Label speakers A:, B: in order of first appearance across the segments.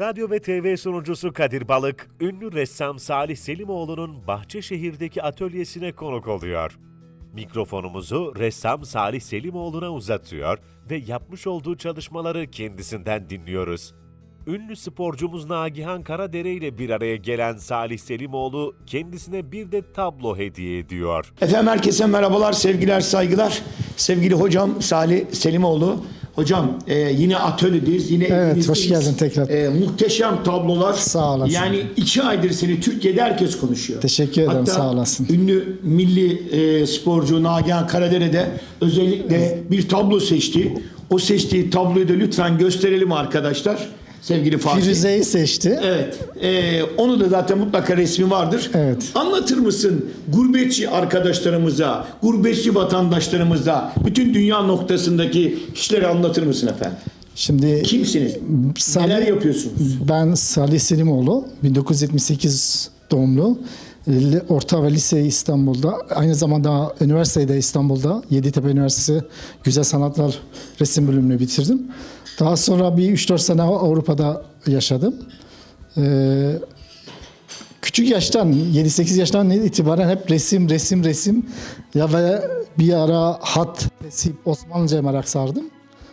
A: Radyo ve TV sunucusu Kadir Balık, ünlü ressam Salih Selimoğlu'nun Bahçeşehir'deki atölyesine konuk oluyor. Mikrofonumuzu ressam Salih Selimoğlu'na uzatıyor ve yapmış olduğu çalışmaları kendisinden dinliyoruz. Ünlü sporcumuz Nagihan Karadere ile bir araya gelen Salih Selimoğlu kendisine bir de tablo hediye ediyor.
B: Efendim herkese merhabalar, sevgiler, saygılar. Sevgili hocam Salih Selimoğlu. Hocam yine atölyedeyiz. Yine
C: evet, hoş geldin tekrar.
B: Muhteşem tablolar.
C: Sağ olasın.
B: Yani 2 aydır seni Türkiye'de herkes konuşuyor.
C: Teşekkür ederim,
B: hatta
C: sağ olasın.
B: Ünlü milli sporcu Nagihan Karadere de özellikle bir tablo seçti. O seçtiği tabloyu da lütfen gösterelim arkadaşlar. Sevgili Fatih.
C: Firuze'yi seçti.
B: Evet. Onu da zaten mutlaka resmi vardır.
C: Evet.
B: Anlatır mısın gurbetçi arkadaşlarımıza, gurbetçi vatandaşlarımıza, bütün dünya noktasındaki kişileri anlatır mısın efendim?
C: Şimdi
B: Kimsiniz? Neler yapıyorsunuz?
C: Ben Salih Selimoğlu, 1978 doğumlu. Orta ve lise İstanbul'da, aynı zamanda üniversitede İstanbul'da, Yeditepe Üniversitesi Güzel Sanatlar Resim bölümünü bitirdim. Daha sonra bir 3-4 sene Avrupa'da yaşadım. Küçük yaştan, 7-8 yaştan itibaren hep resim ya ve bir ara hat, Osmanlıca'ya merak sardım.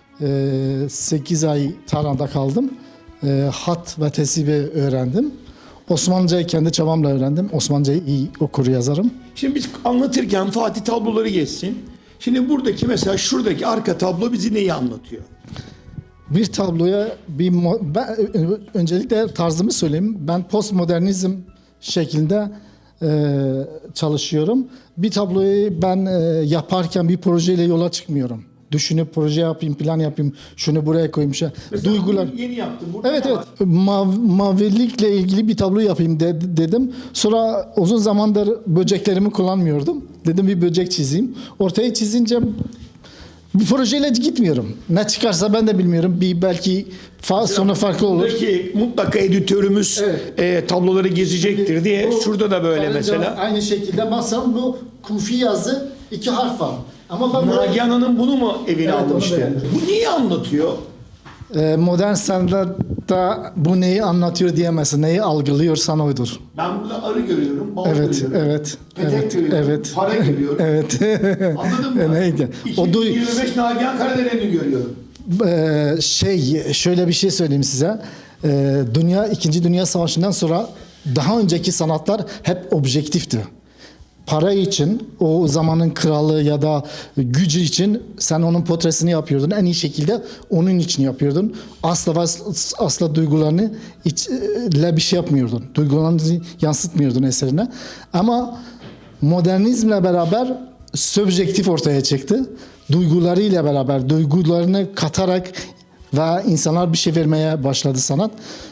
C: 8 ay Tahran'da kaldım. Hat ve tesibi öğrendim. Osmanlıcayı kendi çabamla öğrendim. Osmanlıcayı iyi okur yazarım.
B: Şimdi biz anlatırken Fatih tabloları geçsin. Şimdi buradaki mesela şuradaki arka tablo bizi neyi anlatıyor?
C: Bir tabloya ben öncelikle tarzımı söyleyeyim. Ben postmodernizm şeklinde çalışıyorum. Bir tabloyu ben yaparken bir projeyle yola çıkmıyorum. Düşünüp proje yapayım, plan yapayım, şunu buraya koyayım. Duygular.
B: Yeni yaptım. Burada
C: Evet. Mavilikle ilgili bir tablo yapayım dedim. Sonra uzun zamandır böceklerimi kullanmıyordum. Dedim bir böcek çizeyim. Ortaya çizince bir projeyle gitmiyorum. Ne çıkarsa ben de bilmiyorum. Belki sonu farklı olur.
B: Buradaki mutlaka editörümüz tabloları gezecektir diye. Şurada da böyle mesela.
C: Aynı şekilde baksam bu kufi yazı 2 harf var. Ama ben
B: Nagihan Hanım bunu mu evine
C: Evet,
B: almıştı? Bu neyi anlatıyor?
C: modern sanatta bu neyi anlatıyor diyemezsin. Neyi algılıyorsan oydur.
B: Ben burada arı görüyorum, bal
C: Evet,
B: görüyorum.
C: Evet,
B: Petek görüyorum,
C: evet.
B: para görüyorum.
C: Evet.
B: Anladın mı?
C: Neydi?
B: 2025 Nagihan Karadere'ni görüyorum.
C: Şöyle bir şey söyleyeyim size. İkinci Dünya Savaşı'ndan sonra daha önceki sanatlar hep objektifti. Para için, o zamanın kralı ya da gücü için sen onun portresini yapıyordun. En iyi şekilde onun için yapıyordun. Asla duygularını ile bir şey yapmıyordun. Duygularını yansıtmıyordun eserine. Ama modernizmle beraber subjektif ortaya çıktı. Duygularıyla beraber, duygularını katarak ve insanlar bir şey vermeye başladı sanat.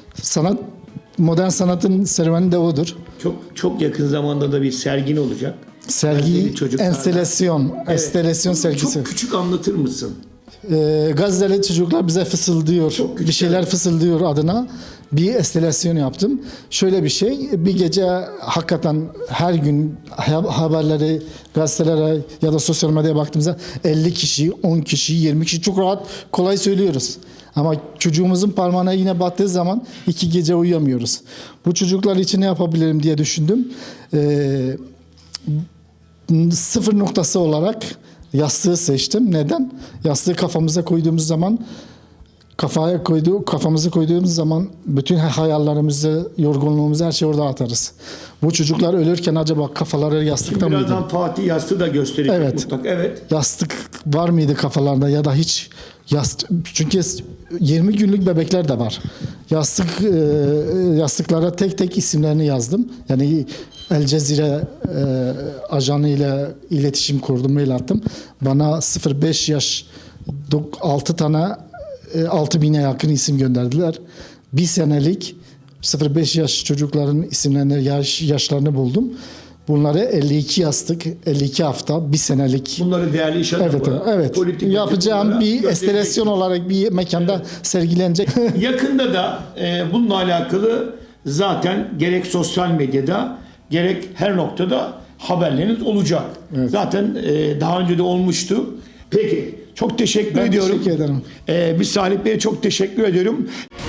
C: Modern sanatın serüveni de odur.
B: Çok yakın zamanda da bir sergin olacak.
C: Sergi, enstelasyon sergisi.
B: Çok küçük anlatır mısın?
C: Gazze'li çocuklar bize fısıldıyor, bir şeyler fısıldıyor adına. Bir enstelasyon yaptım. Şöyle bir şey, bir gece hakikaten her gün haberleri, gazetelere ya da sosyal medyaya baktığımızda 50 kişi, 10 kişi, 20 kişi çok rahat, kolay söylüyoruz. Ama çocuğumuzun parmağına yine battığı zaman 2 gece uyuyamıyoruz. Bu çocuklar için ne yapabilirim diye düşündüm. Sıfır noktası olarak yastığı seçtim. Neden? Yastığı kafamıza koyduğumuz zaman kafamızı koyduğumuz zaman bütün hayallerimizi, yorgunluğumuzu her şeyi orada atarız. Bu çocuklar ölürken acaba kafaları yastıkta mıydı?
B: Birazdan Fatih yastığı da gösterecek mutlaka. Evet.
C: Yastık var mıydı kafalarında ya da hiç çünkü 20 günlük bebekler de var. Yastıklara tek tek isimlerini yazdım. Yani El Cezire ajanı ile iletişim kurdum, mail attım. Bana 0-5 yaş 6.000'e yakın isim gönderdiler. Bir senelik 0-5 yaş çocukların isimlerini, yaşlarını buldum. Bunları 52 yastık, 52 hafta, bir senelik.
B: Bunları değerli iş adamı.
C: Evet. Yapacağım bir enstelasyon olarak bir mekanda sergilenecek.
B: Yakında da bununla alakalı zaten gerek sosyal medyada gerek her noktada haberleriniz olacak. Evet. Zaten daha önce de olmuştu. Peki çok teşekkür ediyorum.
C: Teşekkür ederim.
B: Biz Salih Bey'e çok teşekkür ediyorum.